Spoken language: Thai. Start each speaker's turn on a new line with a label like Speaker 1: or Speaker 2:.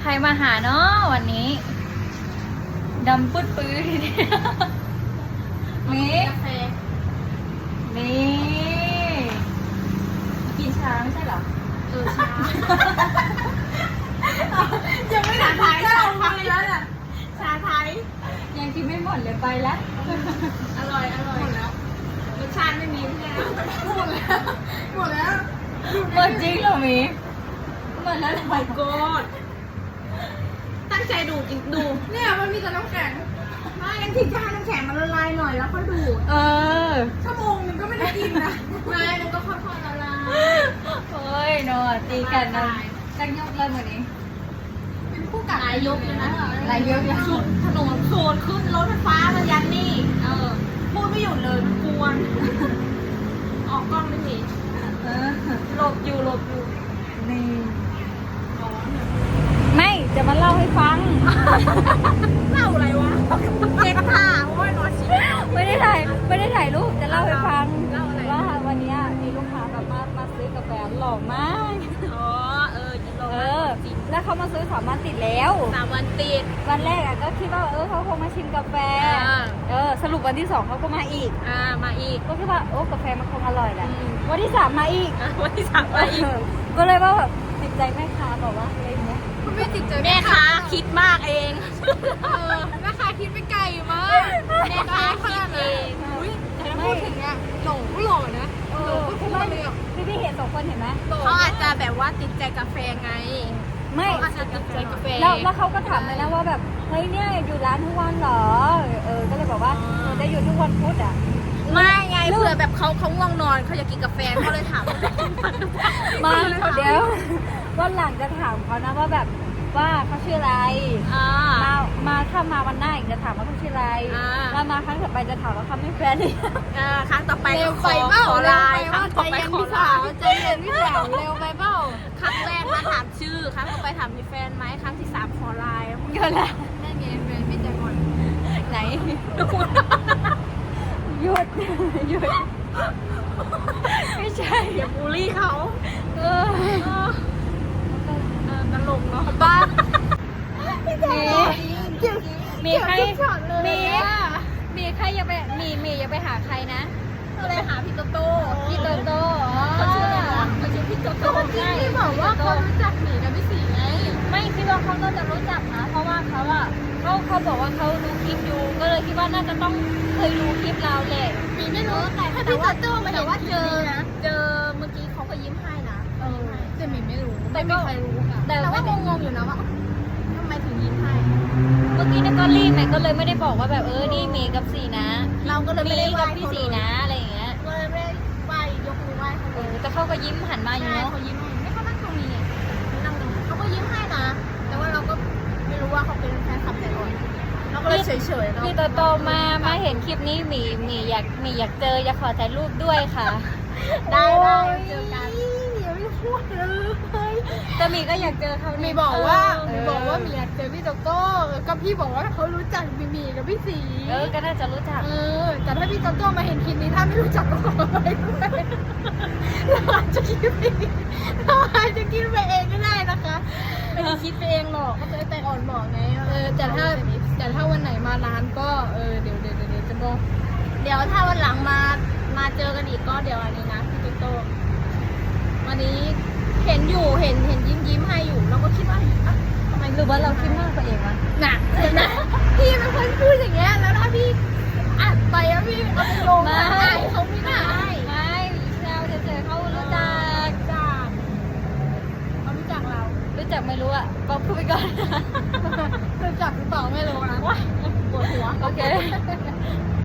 Speaker 1: รมาหาเนาะวันนี้ดำปื้ดปื้ดนี่
Speaker 2: กาแฟ
Speaker 1: นี่กินชาไม่ใช่เหรอ
Speaker 2: ชายังไม่ถามไทยชาไทยแล้วน่ะชาไทย
Speaker 1: ยังกินไม่หมดเลยไปแล้ว
Speaker 2: อร่อยหมดแล้วรสชาติไม่มีใช่ไหมหมดแล้ว
Speaker 1: หมดจริงเหรอมีหมดแล้วเหรอ
Speaker 2: my god ตั้งใจดูจริงดูเนี่ยมันมีแต่น้ำแข็งไม่งั้นทิ้งให้น้ำแข็งมันละลายหน่อยแล้วค่อยดูด
Speaker 1: เออ
Speaker 2: ชั่วโมงนึงก็ไม่ได้กินนะไม่มันก็ค่อยๆละลาย
Speaker 1: โอ้ยนอตีกันนะตั้งยกเลยเหมือนนี้
Speaker 2: เป็นคู่กัดหลายยกเลยนะ
Speaker 1: หลายยกเลย
Speaker 2: สุดถนนโซนขึ้นรถไฟฟ้ามายันนี่พูดไม่หยุดเลยมันกวนออกกล้องไม่ดี
Speaker 1: หลบอยู่นี่ไม่จะมาเล่าให้ฟัง
Speaker 2: เล่าอะไรวะเจ็บขาโอ้ยนอนชิ
Speaker 1: ไม่ได้ถ่ายรูปจะเล่าให้ฟัง
Speaker 2: เล่าอะไร
Speaker 1: ว่าวันเนี้ยมีลูกค้าแบบมาซื้อกาแฟหล่อมาก
Speaker 2: อ๋อจิโร่
Speaker 1: แล้วเขามาซื้อ3 วันติดแล้ว
Speaker 2: 3 วันติด
Speaker 1: วันแรกอ่ะก็คิดว่าเขาคงมาชิมกาแฟ สรุปวันที่ 2เขาก็มาอีก
Speaker 2: มาอีก
Speaker 1: ก็คิดว่ากาแฟมันคงอร่อยแหละ
Speaker 2: อืม
Speaker 1: วันที่ 3มาอีก
Speaker 2: วันที่ 3มาอีก
Speaker 1: ก็เลยว่าแบบติดใจแม่ค้าบอกว่าอะไรเงี้ย
Speaker 2: คุณไม่ติดใจแม่ค้าคิดมากเองแม่ค้าคิดไปไกลมากแม่ค้าคิดเองอุ้ยแต่ถ้าพูดถึงเนี่ยหลงก็หล่อนะหลงก็พูดเลยอ่ะ
Speaker 1: พี่เห็น2 คนเห็นไหม
Speaker 2: เขาอาจจะแบบว่าติดใจกาแฟไง
Speaker 1: ไม่
Speaker 2: เขาอาจจะติดใจกาแฟ
Speaker 1: แล้วเขาก็ถามเลยนะว่าแบบเฮ้ยเนี่ยอยู่ร้านทุกวันเหรอก็เลยบอกว่าจะอยู่ทุกวันพุธอ่ะ
Speaker 2: ไม่ไงเผื่อแบบเขาง่วงนอนเขาอยากกินกาแฟเขาเลยถาม
Speaker 1: มาเดี๋ยววันหลังจะถามเขานะว่าแบบว่าเขาชื่ออะไรมาถ้ามาวันหน้าอีกจะถามว่าเขาชื่ออะไรแล้วมาครั้งต่อไปจะถามว่าเขาไม่แฟนนี่
Speaker 2: ครั้งต่อไป
Speaker 1: เร็ว
Speaker 2: ข
Speaker 1: ไป
Speaker 2: อ
Speaker 1: เปล่า
Speaker 2: ขอไลน์ครั้งต่อไปขอไลน์
Speaker 1: ใจเย็นพี่สาวเร็วไปเปล่า
Speaker 2: ครั้งแรกมาถามชื่อ ครั้งต่อไปถามมีแฟนไหมครั้งที่ 3ขอไลน์
Speaker 1: เกินละ
Speaker 2: นั่นไงแฟนพี่แจ็คก่อน
Speaker 1: ไหนหยุดไม่ใช่
Speaker 2: อย่าบูลลี่เขา
Speaker 1: เออ
Speaker 2: ตลกเนาะ
Speaker 1: บ้ามีใครมีใครอย่าไปมีอย่าไปหาใครนะ
Speaker 2: ก็เลยหาพี่โตโต้
Speaker 1: พี่โตโต้
Speaker 2: เขาชื่ออะไรวะเขาชื่อพี่โตโต้เมื่อกี้ที่บอกว่าเขารู้จักหมีกับพี่สีไง
Speaker 1: ไม่คิดว่าเขาน่าจะรู้จักนะเพราะว่าเขาบอกว่าเขาดูคลิปอยู่ก็เลยคิดว่าน่าจะต้องเคยดูคลิปเราแหละ
Speaker 2: หมีไม่รู้แต่พี่โตโต้มาเห็นว่าเจอเมื่อกี้เขาก็ยิ้มให้นะแต่หมีไม่รู้ไม่มีใครรู้ค่ะแต่ว่างงๆอยู่นะว่าทำไมถึงยิ้มให้
Speaker 1: เมื่อกี้เนี่ยก็รีบไปก็เลยไม่ได้บอกว่าแบบนี่เมย์กับสีนะ
Speaker 2: เราก็เลยไม่ได้ไหว้
Speaker 1: กับพี่สีนะอะไรอย่างเงี้ย
Speaker 2: ก็เลยไม่ได้ไหว้ยกมือไหว้เขาเลย
Speaker 1: แต่เขาก็ยิ้มหันมาอยู่
Speaker 2: ใช่
Speaker 1: เนาะ
Speaker 2: เขายิ้มให้ไม่เขานั่งตรงนี้นั่งตรงนี้เขาก็ยิ้มให้นะ แต่ว่าเราก็ไม่รู้ว่าเขาเป็นแฟนคลับแต่ก่อนเราก็เลยเฉยๆเนาะ
Speaker 1: พี่โตมาเห็นคลิปนี้หมีอยากเจออยากขอถ่ายรูปด้วยค่ะ
Speaker 2: ได้เจอกันอย่าไม่พูดเลย
Speaker 1: แต่หมีก็อยากเจอเขา
Speaker 2: มี
Speaker 1: มี
Speaker 2: บอกว่ามีอยากเจอพี่โตโต้ก็พี่บอกว่าเขารู้จักมีกับพี่สี
Speaker 1: ก็น่าจะรู้จัก
Speaker 2: แต่ถ้าพี่โตโต้มาเห็นคลิปนี้ถ้าไม่รู้จักก็ขอไปด้วยเราอาจจะคิดไปเองก็ได้นะคะไม่ได้คิดไปเองหรอกก็จะแต่อ่อนบอกไงแต่ถ้าวันไหนมาร้านก็เดี๋ยวจะบอกเดี๋ยวถ้าวันหลังมาเจอกันอีกก็เดี๋ยวอันนี้นะพี่โตโต้วันนี้เห็นยิ้มให้อยู่เราก็คิดว่าทำไม
Speaker 1: หรือว่าเราคิดมากไปเองวะ
Speaker 2: หนักเลยนะพี่เป็นคนพูดอย่างเงี้ยแล้วถ้าพี่อัดไปแล้วพี่เอาไปลงเขาไม่ได้
Speaker 1: ไม่แซวเฉยๆเขารู้จัก
Speaker 2: เขารู้จักเรา
Speaker 1: รู้จักไม่รู้อ่ะบอกพูดไปก่อน
Speaker 2: รู้จักหรือเปล่าไม่รู้นะว้ายปวดหัว
Speaker 1: โอเค